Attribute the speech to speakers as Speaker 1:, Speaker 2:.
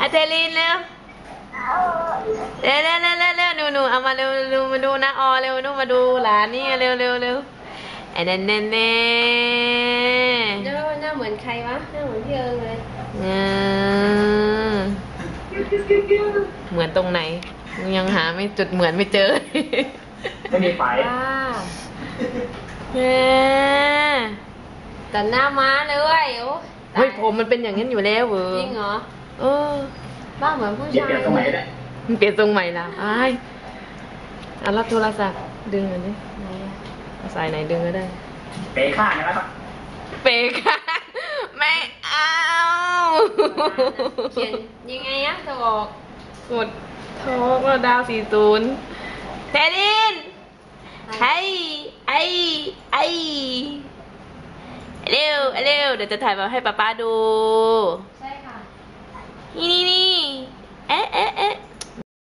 Speaker 1: เทลินเร็วเร็วเร็วเร็วเร็วหนูเอามาเร็วเร็วมาดูนะออเร็วนูมาดูหลานนี่เร็วเร็วเร็วไอ้เน่เน่เน่
Speaker 2: หน้าเหมือนใครวะหน้าเหมือนพี่เอิงเลย
Speaker 1: เหมือนตรงไหนยังหาไม่จุดเหมือนไม่เจอ
Speaker 3: ไม่มีไฟ
Speaker 2: แต่หน้าม้าเลยเว้ย
Speaker 1: เฮ้ยผมมันเป็นอย่างนั้นอยู่แล้วเว้ย
Speaker 2: จริงเหรอบ้าเหมือนผู้ชาย
Speaker 3: เปลี่ยนตรงไหนได้
Speaker 1: มันเปลี่ยนทรงใหม่ละไอ้รับโทรศัพท์ดึงอันนี้สายไหนดึงก็ได้
Speaker 3: เปย์ข้างนะครับ
Speaker 1: เปย์ข้างไม่เอา
Speaker 2: เขียนยังไงอะจะบอก
Speaker 1: กดโทรก็ดาว40เทลินไอ้เร็วเร็วเดี๋ยวจะถ่ายมาให้ป๊าป๊าดู
Speaker 2: ใช่ค่ะ
Speaker 1: นี่